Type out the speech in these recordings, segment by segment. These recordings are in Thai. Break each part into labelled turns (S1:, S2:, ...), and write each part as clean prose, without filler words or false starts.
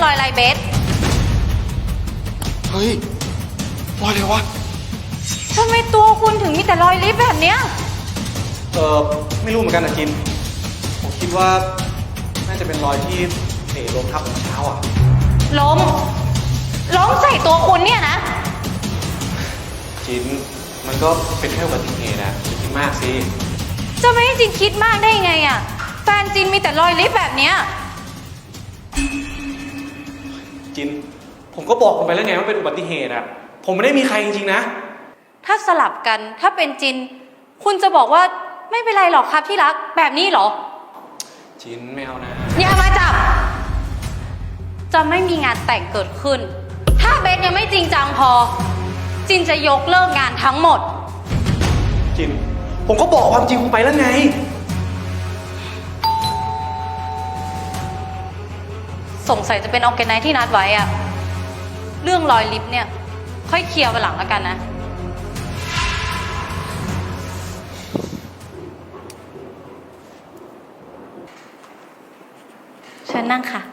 S1: รอยอะไรเบส
S2: เฮ้ยรอยเลยวะ
S1: ทำไมตัวคุณถึงมีแต่รอยลิฟต์แบบเนี้ย
S2: ไม่รู้เหมือนกันนะจินผมคิดว่าน่าจะเป็นรอยที่เตะลมทับเมื่อเช้าอ่ะ
S1: ล้มใส่ตัวคุณเนี่ยนะ
S2: จินมันก็เป็นแค่อุบัติเหตุนะอย่าคิดมากสิ
S1: จะไม่ให้จินคิดมากได้ไงอ่ะแฟนจินมีแต่รอยลิฟต์แบบเนี้ย
S2: จินผมก็บอกคุณไปแล้วไงว่าเป็นอุบัติเหตุอ่ะผมไม่ได้มีใครจริงๆนะ
S1: ถ้าสลับกันถ้าเป็นจินคุณจะบอกว่าไม่เป็นไรหรอกครับที่รักแบบนี้เหรอ
S2: จินไม่เอานะ
S1: อย่ามาจับจะไม่มีงานแต่งเกิดขึ้นถ้าเบสยังไม่จริงจังพอจินจะยกเลิกงานทั้งหมด
S2: จินผมก็บอกความจริงคุณไปแล้วไง
S1: สงสัยจะเป็นออร์แกไนซ์ที่นัดไว้อะเรื่องรอยลิฟต์เนี่ยค่อยเคลียร์วันหลังแล้วกันนะเชิญนั่งค่ะ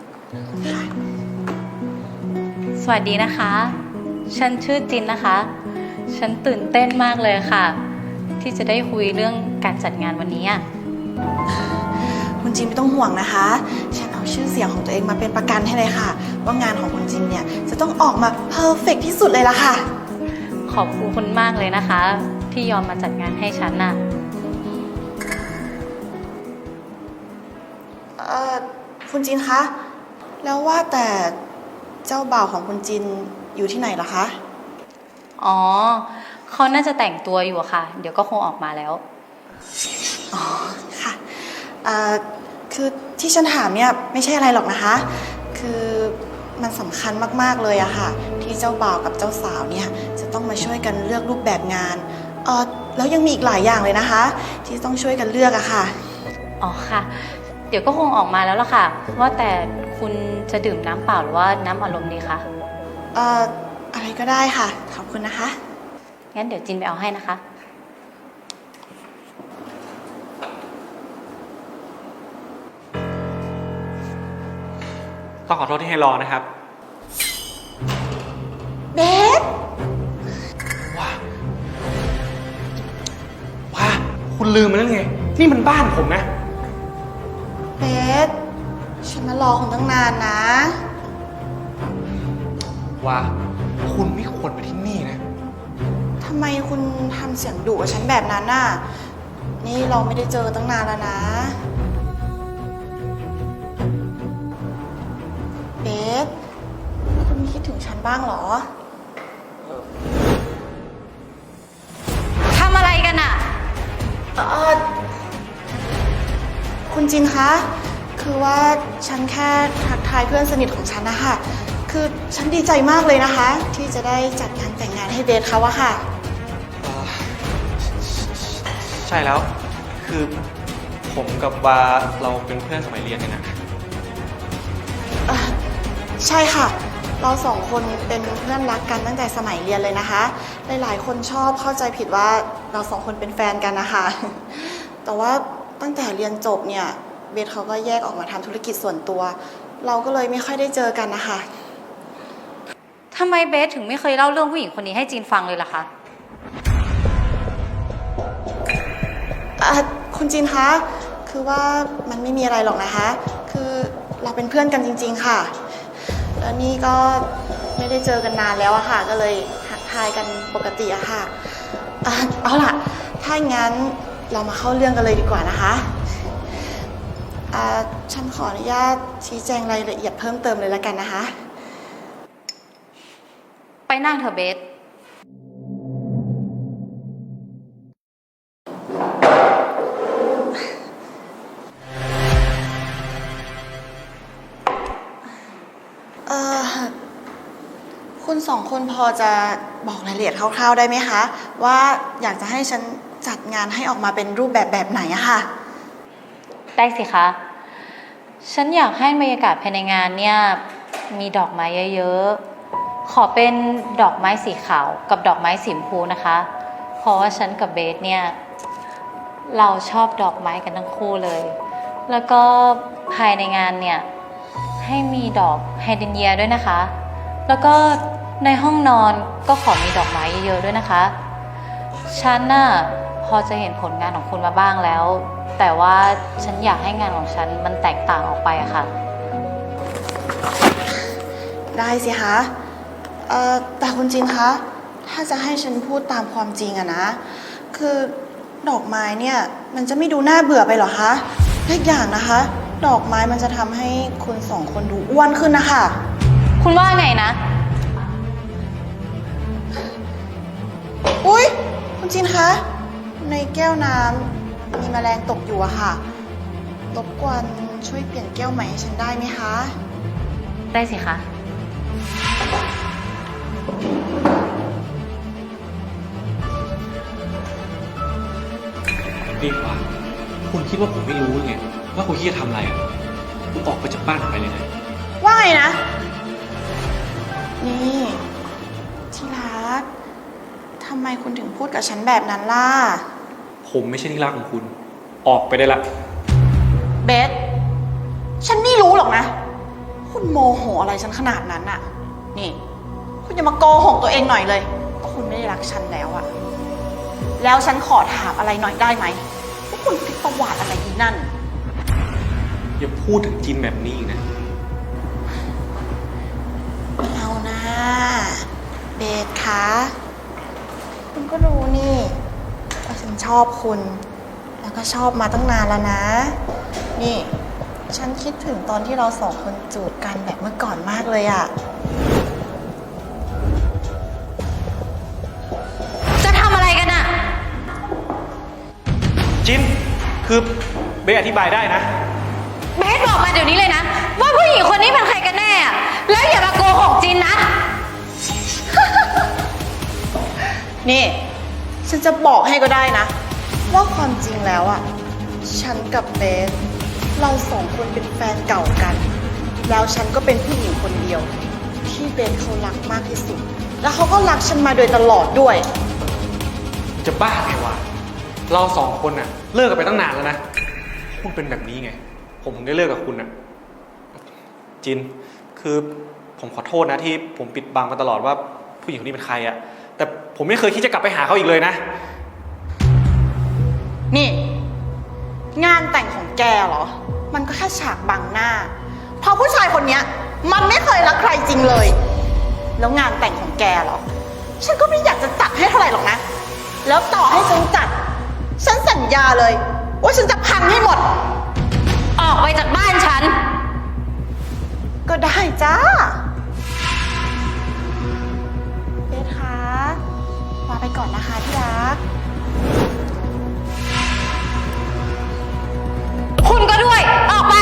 S1: สวัสดีนะคะฉันชื่อจินนะคะฉันตื่นเต้นมากเลยค่ะที่จะได้คุยเรื่องการจัดงานวันนี้
S3: คุณจินไม่ต้องห่วงนะคะฉันเอาชื่อเสียงของตัวเองมาเป็นประกันให้เลยค่ะว่างานของคุณจินเนี่ยจะต้องออกมาเพอร์เฟกต์ที่สุดเลยล่ะค่ะ
S1: ขอบคุณมากเลยนะคะที่ยอมมาจัดงานให้ฉันน่ะ
S3: คุณจินคะแล้วว่าแต่เจ้าบ่าวของคุณจินอยู่ที่ไหนเหรอคะ
S1: อ๋อเขาน่าจะแต่งตัวอยู่ค่ะเดี๋ยวก็คงออกมาแล้ว
S3: อ๋อค่ะคือที่ฉันถามเนี่ยไม่ใช่อะไรหรอกนะคะคือมันสำคัญมากๆเลยอะค่ะที่เจ้าบ่าวกับเจ้าสาวเนี่ยจะต้องมาช่วยกันเลือกรูปแบบงานแล้วยังมีอีกหลายอย่างเลยนะคะที่ต้องช่วยกันเลือกอะค่ะ
S1: อ๋อค่ะเดี๋ยวก็คงออกมาแล้วล่ะค่ะว่าแต่คุณจะดื่มน้ำเปล่าหรือว่าน้ำอัดลมดีคะ
S3: อะไรก็ได้ค่ะขอบคุณนะคะ
S1: งั้นเดี๋ยวจินไปเอาให้นะคะ
S2: ต้องขอโทษที่ให้รอนะครับ
S3: เบส
S2: ว่าคุณลืมไปแล้วไงนี่มันบ้านผมนะ
S3: เบสฉันมารอคุณตั้งนานนะ
S2: ว่าคุณไม่ควรมาที่นี่นะ
S3: ทำไมคุณทำเสียงดุกับฉันแบบนั้นน่ะนี่เราไม่ได้เจอตั้งนานแล้วนะเบสคุณคิดถึงฉันบ้างเหรอ
S1: ทำอะไรกันอะ
S3: คุณจินคะคือว่าฉันแค่ทักทายเพื่อนสนิทของฉันนะคะคือฉันดีใจมากเลยนะคะที่จะได้จัดงานแต่งงานให้เบสเขาอะค่ะ
S2: ใช่แล้วคือผมกับวาเราเป็นเพื่อนสมัยเรียนกันนะ
S3: ใช่ค่ะเราสองคนเป็นเพื่อนรักกันตั้งแต่สมัยเรียนเลยนะคะหลายๆคนชอบเข้าใจผิดว่าเราสองคนเป็นแฟนกันนะคะแต่ว่าตั้งแต่เรียนจบเนี่ยเบสเขาก็แยกออกมาทำธุรกิจส่วนตัวเราก็เลยไม่ค่อยได้เจอกันนะคะ
S1: ทำไมเบสถึงไม่เคยเล่าเรื่องผู้หญิงคนนี้ให้จีนฟังเลยล่ะคะ
S3: คุณจีนคะคือว่ามันไม่มีอะไรหรอกนะคะคือเราเป็นเพื่อนกันจริงๆค่ะแล้วนี่ก็ไม่ได้เจอกันนานแล้วอะค่ะก็เลยทักทายกันปกติอะค่ะเอาล่ะถ้างั้นเรามาเข้าเรื่องกันเลยดีกว่านะคะฉันขออนุญาตชี้แจงรายละเอียดเพิ่มเติมเลยละกันนะคะ
S1: ไปนั่งเถอะเบส
S3: คุณสองคนพอจะบอกรายละเอียดคร่าวๆได้ไหมคะว่าอยากจะให้ฉันจัดงานให้ออกมาเป็นรูปแบบไหนอะค่ะ
S1: ได้สิคะฉันอยากให้บรรยากาศภายในงานเนี่ยมีดอกไม้เยอะๆขอเป็นดอกไม้สีขาวกับดอกไม้สีชมพูนะคะเพราะว่าฉันกับเบสเนี่ยเราชอบดอกไม้กันทั้งคู่เลยแล้วก็ภายในงานเนี่ยให้ให้มีดอกไฮเดรนเยียด้วยนะคะ แล้วก็ในห้องนอนก็ขอมีดอกไม้เยอะๆด้วยนะคะ ฉันน่ะพอจะเห็นผลงานของคุณมาบ้างแล้ว แต่ว่าฉันอยากให้งานของฉันมันแตกต่างออกไปอะค่ะ
S3: ได้สิคะแต่คุณจินคะ ถ้าจะให้ฉันพูดตามความจริงอะนะ คือดอกไม้เนี่ยมันจะไม่ดูน่าเบื่อไปหรอคะและอีกอย่างนะคะ ดอกไม้มันจะทำให้คุณสองคนดูอ้วนขึ้นนะคะ
S1: คุณว่าไงนะ
S3: อุ๊ย คุณจินคะ ในแก้วน้ำมีแมลงตกอยู่อะค่ะ รบกวนช่วยเปลี่ยนแก้วใหม่ให้ฉันได้ไหมคะ
S1: ได้สิคะ
S2: ดีกว่าคุณคิดว่าผมไม่รู้ไงว่าคุณคิดจะทำอะไรอ่ะคุณออกไปจากบ้านผมไปเลยนะ
S3: ว่าไงนะ นี่ที่รัก ทำไมคุณถึงพูดกับฉันแบบนั้นล่ะ
S2: ผมไม่ใช่ที่รักของคุณ ออกไปได้ละ
S3: เบส ฉันไม่รู้หรอกนะ คุณโมโหอะไรฉันขนาดนั้นน่ะ นี่ คุณอย่ามาโกหกตัวเองหน่อยเลยว่าคุณไม่ได้รักฉันแล้วอะแล้วฉันขอถามอะไรหน่อยได้ไหมว่าคุณพลิกประวัติอะไรอีนั่น
S2: อย่าพูดถึงจินแบบนี้อีกนะ
S3: เอานะเบสคะ คุณก็รู้นี่ว่าฉันชอบคุณ แล้วก็ชอบมาตั้งนานแล้วนะ นี่ ฉันคิดถึงตอนที่เราสองคนจูบกันแบบเมื่อก่อนมากเลยอะ
S1: จะทำอะไรกันอะ
S2: จิน คือเบสอธิบายได้นะ
S1: เบสบอกมาเดี๋ยวนี้เลยนะ ว่าผู้หญิงคนนี้เป็นใครกันแน่อะแล้วอย่ามาโกหกจินนะ
S3: นี่ ฉันจะบอกให้ก็ได้นะ ว่าความจริงแล้วอะฉันกับเบส เราสองคนเป็นแฟนเก่ากัน แล้วฉันก็เป็นผู้หญิงคนเดียว ที่เบสเขารักมากที่สุด แล้วเขาก็รักฉันมาโดยตลอดด้วย
S2: จะบ้าไงวะ เราสองคนน่ะเลิกกันไปตั้งนานแล้วนะ คุณเป็นแบบนี้ไง ผมถึงได้เลิกกับคุณน่ะ จิน คือผมขอโทษนะที่ผมปิดบังมาตลอดว่าผู้หญิงคนนี้เป็นใครอะแต่ผมไม่เคยคิดจะกลับไปหาเขาอีกเลยนะ
S3: นี่ งานแต่งของแกเหรอ มันก็แค่ฉากบังหน้า เพราะผู้ชายคนเนี้ย มันไม่เคยรักใครจริงเลย แล้วงานแต่งของแกเหรอ ฉันก็ไม่อยากจะจัดให้เท่าไหร่หรอกนะ แล้วต่อให้ฉันจัด ฉันสัญญาเลย ว่าฉันจะพังให้หมด
S1: ออกไปจากบ้านฉัน
S3: ก็ได้จ้าเบสคะลาไปก่อนนะคะที่รัก
S1: คุณก็ด้วย ออกไป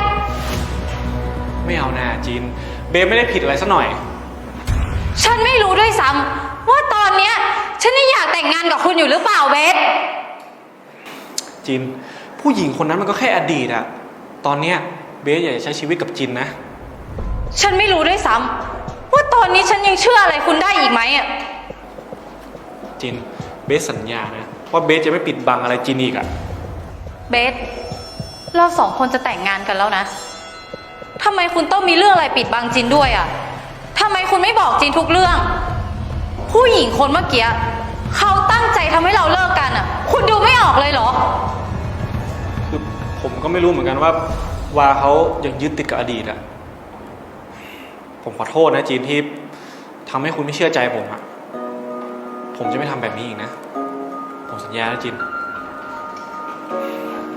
S2: ไม่เอานะจิน เบสไม่ได้ผิดอะไรซะหน่อย
S1: ฉันไม่รู้ด้วยซ้ำว่าตอนเนี้ยฉันยังอยากแต่งงานกับคุณอยู่หรือเปล่าเบส
S2: จิน ผู้หญิงคนนั้นมันก็แค่อดีตอะตอนเนี้ยเบสอยากจะใช้ชีวิตกับจินนะ
S1: ฉันไม่รู้ด้วยซ้ำว่าตอนนี้ฉันยังเชื่ออะไรคุณได้อีกไหมอะ
S2: จิน เบสสัญญานะว่าเบสจะไม่ปิดบังอะไรจินอีกอะ
S1: เบส เราสองคนจะแต่งงานกันแล้วนะทำไมคุณต้องมีเรื่องอะไรปิดบังจินด้วยอะทำไมคุณไม่บอกจินทุกเรื่อง ผู้หญิงคนเมื่อกี้เขาตั้งใจทำให้เราเลิกกันอะคุณดูไม่ออกเลยเหรอ
S2: คือผมก็ไม่รู้เหมือนกันว่าเขายังยึดติดกับอดีตอะผมขอโทษนะจินที่ทำให้คุณไม่เชื่อใจผมอะผมจะไม่ทำแบบนี้อีกนะ ผมสัญญานะจิน